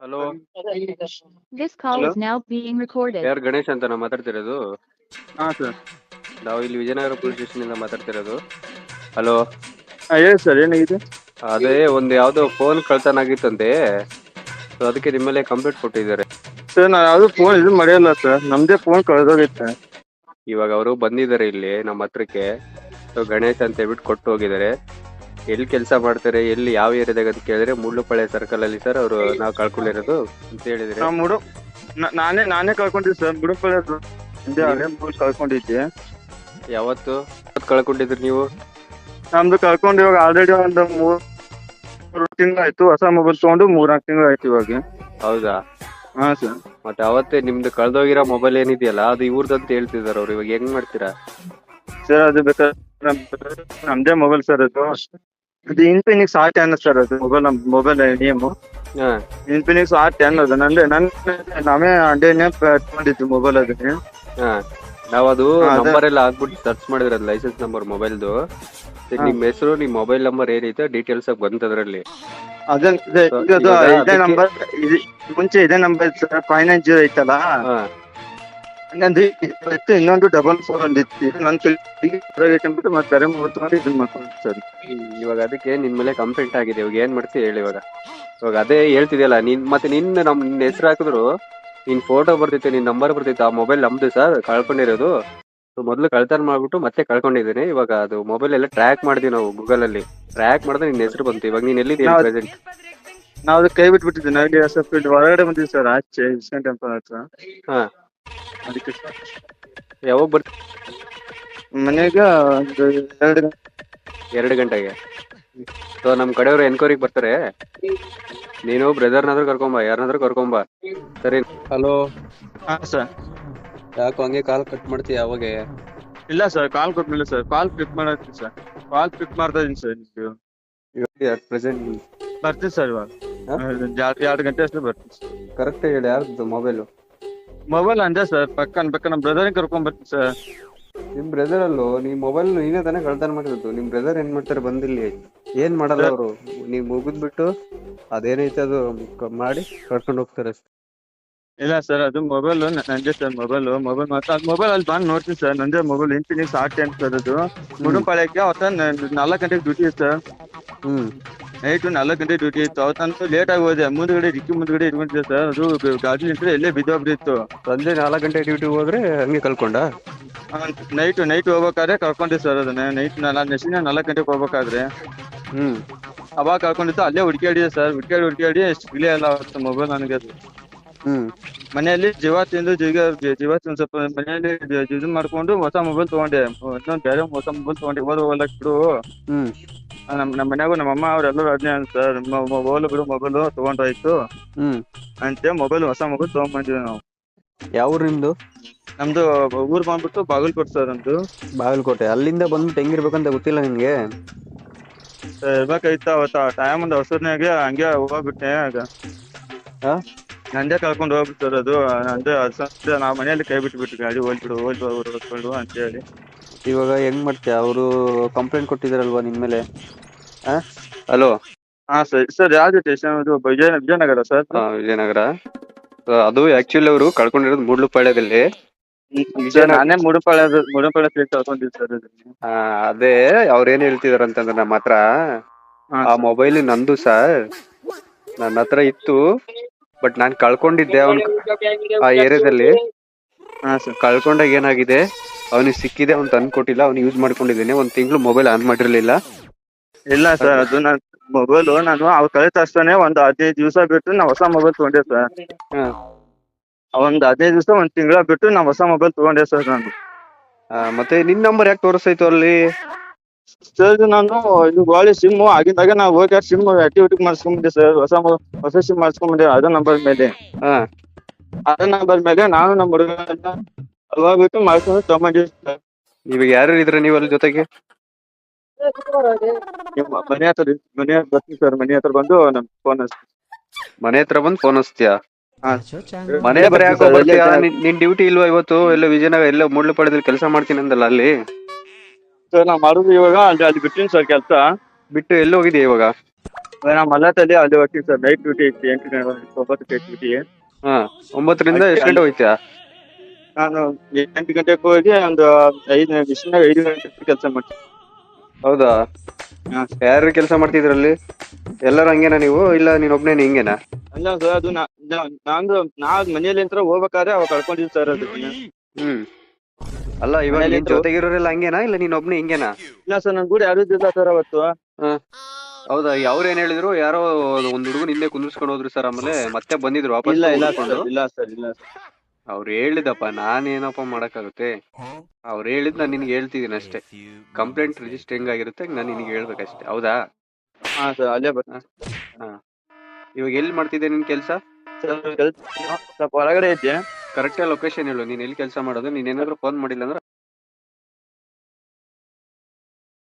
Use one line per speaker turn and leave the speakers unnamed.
Hello.
This call
hello
is now being recorded.
ಯಾರು ಗಣೇಶ್ ಅಂತ ನಾವು ಮಾತಾಡ್ತಿರೋದು?
ಹಾ ಸರ್.
ನಾವು ಇಲ್ಲಿ ವಿಜಯನಗರ ಪೊಲೀಸ್ ಸ್ಟೇಷನ್ ಇಂದ ಮಾತಾಡ್ತಿರೋದು. ಹಲೋ.
ಹೇಳಿ ಸರ್, ಏನಾಗಿದೆ?
ಅದೇ ಒಂದು ಯಾವ್ದೋ ಫೋನ್ ಕಳ್ತನ ಆಗಿತ್ತಂತೆ, ಸೊ ಅದಕ್ಕೆ ನಿಮ್ಮಲ್ಲೇ ಕಂಪ್ಲೇಂಟ್ ಕೊಟ್ಟಿದ್ದಾರೆ.
ಸರ್ ನಾ ಯಾವ್ದು ಫೋನ್ ಇದು ಮಾಡಿಲ್ಲ ಸರ್, ನಮ್ದೇ ಫೋನ್ ಕಳೆದೋಗೈತೆ.
ಇವಾಗ ಅವರು ಬಂದಿದ್ದಾರೆ ಇಲ್ಲಿ ನಮ್ಮ ಹತ್ರಕ್ಕೆ. ಸೊ ಗಣೇಶ್ ಅಂತ ಹೇಳ್ಬಿಟ್ಟು ಕೊಟ್ಟು ಹೋಗಿದ್ದಾರೆ. ಎಲ್ಲಿ ಕೆಲಸ ಮಾಡ್ತಾರೆ, ಎಲ್ಲಿ ಯಾವ ಏರಿಯಾದಾಗ ಅಂತ ಕೇಳಿದ್ರೆ ಮುಳ್ಳುಪಾಳ್ಯ ಸರ್ಕಲ್ ಅಲ್ಲಿ ಸರ್ ಅವರು ನಾವು ಕಳ್ಕೊಂಡಿರೋದು ಅಂತ ಹೇಳಿದ್ರೆ.
ನಾನೇ ಕಳ್ಕೊಂಡಿದ್ದೆ ಸರ್, ಮುಡುಪಳ್ಳಿ ಕಳ್ಕೊಂಡಿದ್ದೆ.
ಯಾವತ್ತು ಕಳ್ಕೊಂಡಿದ್ರಿ ನೀವು?
ನಮ್ದು ಕಳ್ಕೊಂಡು ಇವಾಗ ಆಲ್ರೆಡಿ ಒಂದು 3 ತಿಂಗಳು ಆಯ್ತು. ಹೊಸ ಮೊಬೈಲ್ ತಗೊಂಡು 3-4 ತಿಂಗಳು ಆಯ್ತು ಇವಾಗ.
ಹೌದಾ?
ಹಾ ಸರ್.
ಮತ್ತೆ ಅವತ್ತೇ ನಿಮ್ದು ಕಳ್ದೋಗಿರೋ ಮೊಬೈಲ್ ಏನಿದೆಯಲ್ಲ ಅದು ಇವ್ರದಂತ ಹೇಳ್ತಿದಾರೆ ಅವ್ರು. ಇವಾಗ ಹೆಂಗ್ ಮಾಡ್ತೀರಾ
ಸರ್? ಅದು ಬೇಕಾದ್ರೆ ನಮ್ದೇ ಮೊಬೈಲ್ ಸರ್. ಅದು ಇನ್ಫಿನಿಕ್ಸ್ R10 ಸರ್. ಅದು ಮೊಬೈಲ್ ನೇಮ್
ಹಾ
ಇನ್ಫಿನಿಕ್ಸ್ R10 ಅದು. ನಾವೇ ಅಂಡೇನೆ ತಗೊಂಡಿದ್ದು ಮೊಬೈಲ್ ಅದನ್ನೇ.
ಹಾ ನಾವದು ನಂಬರ್ ಎಲ್ಲ ಹಾಕ್ಬಿಟ್ಟು ಸರ್ಚ್ ಮಾಡಿದ್ರೆ ಲೈಸೆನ್ಸ್ ನಂಬರ್ ಮೊಬೈಲ್ದು. ನಿಮ್ ಹೆಸರು, ನಿಮ್ ಮೊಬೈಲ್ ನಂಬರ್ ಏನೈತೆ ಡೀಟೇಲ್ಸ್ ಆಗಿ ಬಂತದ್ರಲ್ಲಿ.
ಇದೇ ನಂಬರ್, ಮುಂಚೆ ಇದೇ ನಂಬರ್ 590 ಐತಲ್ಲ, ನಂದು ಇನ್ನೊಂದು 44 ಒಂದಿತ್ತು. ನನ್ನ ಮತ್ತೆ ಬೇರೆ ಮೊಬೈಲ್ ತಗೊಂಡು ಇದನ್ನ ಮಾಡ್ಕೊಂಡು ಸರ್.
ಇವಾಗ ಅದಕ್ಕೆ ನಿನ್ ಮೇಲೆ ಕಂಪ್ಲೇಂಟ್ ಆಗಿದೆ. ಇವಾಗ ಏನ್ ಮಾಡ್ತೀವಿ ಹೇಳಿ? ಇವಾಗ ಅದೇ ಹೇಳ್ತಿದ್ಯಲ್ಲ ನೀನ್, ಮತ್ತೆ ನಿನ್ನ ಹೆಸರು ಹಾಕಿದ್ರು, ನಿನ್ ಫೋಟೋ ಬರ್ತಿತ್ತು, ನಿನ್ ನಂಬರ್ ಬರ್ತಿತ್ತು. ಆ ಮೊಬೈಲ್ ನಮ್ದು ಸರ್, ಕಳ್ಕೊಂಡಿರೋದು. ಮೊದ್ಲು ಕಳ್ತನ ಮಾಡ್ಬಿಟ್ಟು ಮತ್ತೆ ಕಳ್ಕೊಂಡಿದ್ದೀನಿ. ಇವಾಗ ಅದು ಮೊಬೈಲ್ ಎಲ್ಲ ಟ್ರ್ಯಾಕ್ ಮಾಡಿದ್ವಿ ನಾವು, ಗೂಗಲ್ ಅಲ್ಲಿ ಟ್ರ್ಯಾಕ್ ಮಾಡಿದ್ರೆ ನಿನ್ ಹೆಸರು ಬಂತು. ಇವಾಗ ನೀನ್ ಎಲ್ಲಿದ್ದೀಯ ಪ್ರೆಸೆಂಟ್?
ನಾವು ಅದು ಕೈ ಬಿಟ್ಬಿಟ್ಟಿದ್ದೆ. ನನಗೆ ಸ್ವಲ್ಪ ಹೊರಗಡೆ ಬಂದಿದ್ದೆ ಸರ್, ಆಚೆ ಇಸ್ಕಾನ್ ಟೆಂಪಲ್ ಹತ್ರ.
ಹಾ
ಅದಕ್ಕೆ
ಯಾವಾಗ ಬರ್ತೀವಿ?
ಮನೆಗೆ ಒಂದು
2 ಗಂಟೆಗೆ. ಸೊ ನಮ್ ಕಡೆಯವರು ಎನ್ಕ್ವೈರಿಗೆ ಬರ್ತಾರೆ. ನೀನು ಬ್ರದರ್ನಾದ್ರೂ ಕರ್ಕೊಂಬ, ಯಾರನ್ನಾದ್ರೂ ಕರ್ಕೊಂಬ, ಸರಿ? ಹಲೋ.
ಹಾ ಸರ್.
ಯಾಕೋ ಹಂಗೆ ಕಾಲ್ ಕಟ್ ಮಾಡ್ತೀಯ ಅವಾಗ?
ಇಲ್ಲ ಸರ್, ಕಾಲ್ ಕೊಟ್ಮೇಲೆ ಸರ್, ಕಾಲ್ ಪಿಕ್ ಮಾಡತ್ತೀನಿ ಸರ್. ಕಾಲ್ ಪಿಕ್ ಮಾಡ್ತಾ ಇದೀನಿ ಸರ್.
ಪ್ರೆಸೆಂಟ್
ಬರ್ತೀನಿ ಸರ್ ಇವಾಗ. 2 ಗಂಟೆ ಅಷ್ಟೇ ಬರ್ತೀನಿ ಸರ್.
ಕರೆಕ್ಟ್ ಹೇಳಿ, ಯಾರ್ದು ಮೊಬೈಲು?
ಮೊಬೈಲ್ ಅಂದೆ ಸರ್, ಪಕ್ಕ ನಮ್ ಬ್ರದರ್ ಕರ್ಕೊಂಡ್ ಬರ್ತೀನಿ ಸರ್.
ನಿಮ್ ಬ್ರದರ್ ಅಲ್ಲೋ, ನಿಮ್ ಮೊಬೈಲ್ ನೀನೇ ತಾನೇ ಕಳ್ತನ ಮಾಡಿರೋದು. ನಿಮ್ ಬ್ರದರ್ ಏನ್ ಮಾಡ್ತಾರೆ ಬಂದಿಲ್ಲಿ? ಏನ್ ಮಾಡಲ್ಲ ಅವರು. ನೀವ್ ಮುಗಿದ್ಬಿಟ್ಟು ಅದೇನೈತೆ ಅದು ಮಾಡಿ ಕರ್ಕೊಂಡು ಹೋಗ್ತಾರೆ ಅಷ್ಟೇ.
ಇಲ್ಲ ಸರ್, ಅದು ಮೊಬೈಲ್ ನಂದೇ ಸರ್. ಮೊಬೈಲ್ ಮಾತ್ರ ಅದು ಮೊಬೈಲ್ ಅಲ್ಲಿ ಬಂದು ನೋಡ್ತೀನಿ ಸರ್. ನಂದೇ ಮೊಬೈಲ್ ಇನ್ಫಿನಿಕ್ಸ್ R10 ಸರ್. ಅದು ಮುಡುಪಾಳ್ಯಕ್ಕೆ ಅವತ್ತ 4 ಗಂಟೆಗೆ ಡ್ಯೂಟಿ ಇತ್ತು ಸರ್. ನೈಟ್ 4 ಗಂಟೆ ಡ್ಯೂಟಿ ಇತ್ತು. ಅವತ್ತಂತೂ ಲೇಟ್ ಆಗಿ ಹೋದೆ. ಮುಂದ್ಗಡೆ ಡಿಕ್ಕಿ ಮುಂದ್ಗಡೆ ಇಟ್ಕೊಂಡಿದ್ದೆ ಸರ್. ಅದು ಗಾಡಿ ನಿಂತ್ರೆ ಎಲ್ಲೇ ಬಿದ್ದೋಗ್ಬಿಟ್ಟಿತ್ತು.
ಸಂಜೆ 4 ಗಂಟೆ ಡ್ಯೂಟಿ ಹೋದ್ರೆ ಹಂಗೆ ಕಳ್ಕೊಂಡ?
ನೈಟ್ ಹೋಗ್ಬೇಕಾದ್ರೆ ಕಳ್ಕೊಂಡೆ ಸರ್. ಅದನ್ನ ನೈಟ್ 4 ಗಂಟೆಗೆ ಹೋಗ್ಬೇಕಾದ್ರೆ ಅವಾಗ ಕಳ್ಕೊಂಡಿತ್ತು. ಅಲ್ಲೇ ಹುಡ್ಕಾಡಿದೆ ಸರ್. ಹುಡ್ಕಾಡಿ ಸಿಗ್ಲೇ ಇಲ್ಲ ಅವತ್ತು ಮೊಬೈಲ್ ನನಗೆ. ಅದು ಮನೆಯಲ್ಲಿ ಜೀವ ತಿಂದು ಸ್ವಲ್ಪ ಮನೆಯಲ್ಲಿ ಇದು ಮಾಡ್ಕೊಂಡು ಹೊಸ ಮೊಬೈಲ್ ತಗೊಂಡೆ. ಇನ್ನೊಂದು ಬೇರೆ ಹೊಸ ಮೊಬೈಲ್ ತಗೊಂಡೆ. ಹೋಗ್ಲಕ್ ಬಿಡು, ನಮ್ಮ ಮನ್ಯಾಗು ನಮ್ಮಮ್ಮ ಅವ್ರೆಲ್ಲರೂ ಅದನ್ನೇ ಅಂತ ಸರ್, ಹೋಗ್ಲು ಬಿಡು ಮೊಬೈಲ್ ತಗೊಂಡಾಯ್ತು ಅಂತ ಮೊಬೈಲ್, ಹೊಸ ಮೊಬೈಲ್ ತಗೊಂಡ್ಬಂದಿವಿ ನಾವು.
ಯಾವ ಊರು ನಿಮ್ದು?
ನಮ್ದು ಊರ್ ಬಂದ್ಬಿಟ್ಟು ಬಾಗಲಕೋಟೆ ಸರ್. ನಮ್ದು
ಬಾಗಲಕೋಟೆ. ಅಲ್ಲಿಂದ ಬಂದ್ಬಿಟ್ಟು ಹೆಂಗಿರ್ಬೇಕಂತ ಗೊತ್ತಿಲ್ಲ ನಿಮ್ಗೆ?
ಇರ್ಬೇಕಾಯ್ತ ಅವತ್ತ ಟೈಮ್ ಒಂದು ಅವಸರನಾಗೆ ಹಂಗೆ ಹೋಗ್ಬಿಟ್ಟೆ. ನಂದೇ ಕಳ್ಕೊಂಡು ಹೋಗ್ಬಿಟ್ಟು ಸರ್. ಅದು ನಂದೇ ನಾವು ಮನೆಯಲ್ಲಿ ಕೈ ಬಿಟ್ಬಿಟ್ಟು ಗಾಡಿ ಹೋಗ್ಬಿಡು ಅಂತ ಹೇಳಿ.
ಇವಾಗ ಹೆಂಗ್ ಮಾಡ್ತೀಯ? ಅವರು ಕಂಪ್ಲೇಂಟ್ ಕೊಟ್ಟಿದಾರಲ್ವಾ ನಿನ್ ಮೇಲೆ? ಹಲೋ.
ಹಾ ಸರ್. ಯಾವ್ದು ಸ್ಟೇಷನ್? ಅದು ವಿಜಯನಗರ ಸರ್.
ವಿಜಯನಗರ. ಅದು ಆಕ್ಚುಲಿ ಅವರು ಕಳ್ಕೊಂಡಿರೋದು ಮುಳ್ಳುಪಾಳ್ಯದಲ್ಲಿ.
ನಾನೇ ಮುಡುಪಾಳ್ಯ ಪ್ಲೇಸ್ ಕಳ್ಕೊಂಡಿದ್ದೆ ಸರ್.
ಅದೇ ಅವ್ರ ಏನ್ ಹೇಳ್ತಿದಾರ ಅಂತಂದ್ರೆ, ನಮ್ಮ ಹತ್ರ ಆ ಮೊಬೈಲ್ ನಂದು ಸರ್, ನನ್ನ ಹತ್ರ ಇತ್ತು. ಬಟ್ ನಾನ್ ಕಳ್ಕೊಂಡಿದ್ದೆ ಆ ಏರಿಯಾದಲ್ಲಿ. ಕಳ್ಕೊಂಡಾಗ ಏನಾಗಿದೆ, ಅವನಿಗೆ ಸಿಕ್ಕಿದೆ, ಅವ್ನು ತಂದು ಕೊಟ್ಟಿಲ್ಲ, ಅವ್ನು ಯೂಸ್ ಮಾಡ್ಕೊಂಡಿದ್ದೇನೆ. 1 ತಿಂಗಳು ಮೊಬೈಲ್ ಆನ್ ಮಾಡಿರ್ಲಿಲ್ಲ.
ಇಲ್ಲ ಸರ್, ಅದು ನನ್ನ ಮೊಬೈಲ್ ನಾನು ಅವ್ರು ಕಳೆದ ತಕ್ಷಣ ಒಂದು 15 ದಿವಸ ಬಿಟ್ಟು ನಾ ಹೊಸ ಮೊಬೈಲ್ ತಗೊಂಡೆ ಸರ್. ಒಂದು 15 ದಿವಸ 1 ತಿಂಗಳ ಬಿಟ್ಟು ನಾ ಹೊಸ ಮೊಬೈಲ್ ತಗೊಂಡೆ ಸರ್ ನಾನು.
ಮತ್ತೆ ನಿನ್ ನಂಬರ್ ಯಾಕೆ ತೋರಿಸ್ತಾಯ್ತು ಅಲ್ಲಿ
ಸರ್? ನಾನು ಇದು ಗಾಳಿ ಸಿಮ್ ಆಗಿದ್ದಾಗ ನಾವು ಹೋಗಿ ಸಿಮ್ ಆಕ್ಟಿವಿಟಿ ಮಾಡಿಸ್ಕೊಂಡ್ಬಂದೆ ಸರ್. ಹೊಸ ಸಿಮ್ ಮಾಡಿಸ್ಕೊಂಡ್ಬಂದೆ ಅದ ನಂಬರ್ ಮೇಲೆ. ಅದ ನಂಬರ್ ಮೇಲೆ ನಾನು ನಮ್ಮ ಹುಡುಗ ಹೋಗ್ಬಿಟ್ಟು ಮಾಡಿಸ್ಕೊಂಡು ತಗೊಂಡ್ಬಂದಿವಿ ಸರ್.
ಇವಾಗ ಯಾರು ಇದ್ರ ನೀವು ಅಲ್ಲಿ ಜೊತೆಗೆ?
ಮನೆ ಹತ್ರ ಬರ್ತೀನಿ ಸರ್. ಮನೆ ಹತ್ರ ಬಂದು ನಮ್ ಫೋನ್
ಮನೆ ಹತ್ರ ಬಂದು ಫೋನ್ ಹಚ್ತೀಯಾ? ಮನೆ ಹತ್ರ ಯಾಕೋ ಬರ್ತೀಯಾ? ನಿನ್ ಡ್ಯೂಟಿ ಇಲ್ವಾ ಇವತ್ತು? ಎಲ್ಲ ವಿಜಯನಗರ, ಎಲ್ಲ ಮುಳ್ಳುಪಾಳ್ಯದಲ್ಲಿ ಕೆಲಸ ಮಾಡ್ತೀನಿ ಅಂದಲ್ಲ ಅಲ್ಲಿ?
ಸರ್ ನಾ ಮಾಡುದು ಇವಾಗ ಅಲ್ಲಿ ಬಿಟ್ಟಿನಿ ಸರ್ ಕೆಲಸ.
ಬಿಟ್ಟು ಎಲ್ಲಿ ಹೋಗಿದ್ಯಾ ಇವಾಗ?
ನಾವು ಮಲ್ಲತ್ತಲ್ಲಿ ಅಲ್ಲಿ ಹೋಗ್ತೀವಿ ಸರ್, ನೈಟ್ ಡ್ಯೂಟಿ ಐತಿ 9 ಡ್ಯೂಟಿ.
ಹಾ 9ರಿಂದ ಎಷ್ಟು ಗಂಟೆ ಹೋಯ್ತಾ?
ನಾನು 8 ಗಂಟೆಗೆ ಹೋಗಿ ಒಂದು 5 ಗಂಟೆ ಕೆಲಸ ಮಾಡ್ತೀನಿ.
ಹೌದಾ?
ಹಾ.
ಯಾರು ಕೆಲಸ ಮಾಡ್ತಿದ್ರಲ್ಲಿ? ಎಲ್ಲರೂ ಹಂಗೇನಾ ನೀವು, ಇಲ್ಲ ನೀನೊಬ್ನೇ ಹಿಂಗೇನಾ?
ಅಲ್ಲ ಸರ್, ಅದು ನಾವ್ ಮನೆಯಲ್ಲಿ ಅಂತ ಹೋಗ್ಬೇಕಾದ್ರೆ ಅವಾಗ ಕಳ್ಕೊಂಡಿದ್ವಿ ಸರ್ ಅದು.
ಹ್ಮ್. ಅಲ್ಲ ಇವಾಗ ನಿನ್ ಜೊತೆಗಿರೋರೆಲ್ಲ ಹಂಗೇನಾ, ಇಲ್ಲ ನೀನೊಬ್ನೇ ಹಿಂಗೇನಾ?
ಇಲ್ಲ ಸರ್, ನನ್ ಕೂಡ ಯಾರು ಇಲ್ಲ ಸರ್ ಅವತ್ತು.
ಹಾ. ಹೌದಾ? ಅವ್ರು ಏನ್ ಹೇಳಿದ್ರು? ಯಾರೋ ಒಂದ್ ಹುಡುಗನ ಹಿಂದೆ ಕುಂದಿರ್ಸ್ಕೊಂಡು ಹೋದ್ರು ಸರ್, ಆಮೇಲೆ ಮತ್ತೆ ಬಂದಿದ್ರು ವಾಪಸ್
ಇಲ್ಲ ಇಲ್ಲ
ಕುಂದಿರ್ಸ್ಕೊಂಡು.
ಸರ್, ಇಲ್ಲ ಸರ್, ಇಲ್ಲ ಸರ್.
ಅವ್ರು ಹೇಳಿದಪ್ಪ, ನಾನೇನಪ್ಪ ಮಾಡಕ್ಕಾಗುತ್ತೆ? ಅವ್ರು ಹೇಳಿದ್ ನಾನು ನಿನ್ಗೆ ಹೇಳ್ತಿದ್ದೀನಿ ಅಷ್ಟೇ. ಕಂಪ್ಲೇಂಟ್ ರಿಜಿಸ್ಟರ್ ಹೆಂಗಾಗಿರುತ್ತೆ ನಾನು ನಿನ್ಗೆ ಹೇಳ್ಬೇಕಷ್ಟೇ. ಹೌದಾ?
ಹಾ ಸರ್, ಅಲ್ಲೇ ಬರ್ತೀನಿ.
ಹಾ. ಇವಾಗ ಎಲ್ಲಿ ಮಾಡ್ತಿದ್ದೆ ನಿನ್ ಕೆಲ್ಸ?
ಸರ್ ಸ್ವಲ್ಪ ಹೊರಗಡೆ ಇದ್ದೆ.
ಕರೆಕ್ಟ್ ಲೊಕೇಶನ್ ಹೇಳು, ನೀನ್ ಎಲ್ಲಿ ಕೆಲಸ ಮಾಡೋದು. ನೀನ್ ಏನಾದ್ರು ಫೋನ್ ಮಾಡಿಲ್ಲ ಅಂದ್ರೆ